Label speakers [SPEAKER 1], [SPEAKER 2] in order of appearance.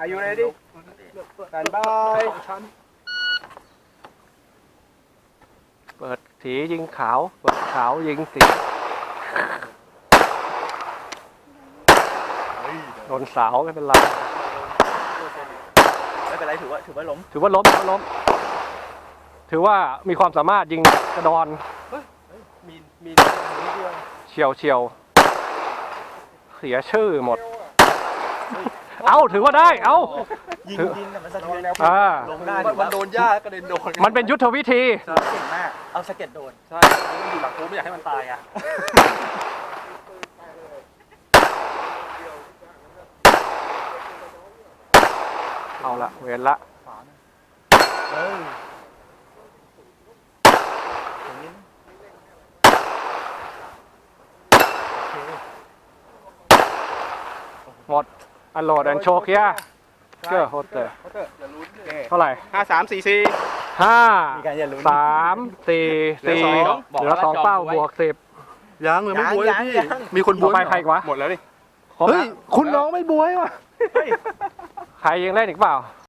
[SPEAKER 1] Are you ready? Stand by.
[SPEAKER 2] เปิดสียิงขาวเปิดขาวยิงสีโดนสาวไม่เป็นไร
[SPEAKER 3] ไม่เป็นไรถือว่าล้ม
[SPEAKER 2] ถือว่าล้มถือว่ามีความสามารถยิงกระดอนมีนิดเดียวเฉียวเสียชื่อหมดเอาถือว่าได้เอา
[SPEAKER 3] ยิงดินมันสะเทือนลงได้
[SPEAKER 1] มันโดนหญ้ากระเด็นโดน
[SPEAKER 2] มันเป็นยุทธวิธี
[SPEAKER 3] เก่งมากเอาสะเก็ดโดน
[SPEAKER 1] ใช่มันอยู่หลังกูไม่อยากให้มันตายอ่ะ
[SPEAKER 2] เอาละเวรละ หมดอันโหลดอันโชว์เคียเก้อโฮเตอร์เท่าไหร่
[SPEAKER 1] 5 3 4 4
[SPEAKER 2] 5
[SPEAKER 3] มีการอย่าลุ้น
[SPEAKER 2] 3 4 4เหลือ2เป้าบวก10
[SPEAKER 1] ยังเลยไม่บวยพี่มีคนบ
[SPEAKER 2] ต่อ
[SPEAKER 1] วย
[SPEAKER 2] ไปใครอีกวะ
[SPEAKER 1] หมดแล้วดิ
[SPEAKER 2] ครบ
[SPEAKER 1] เฮ้ย
[SPEAKER 2] แล้ว
[SPEAKER 1] คุณน้องไม่บวยว่ะ
[SPEAKER 2] ใครยังเล่นอีกเปล่า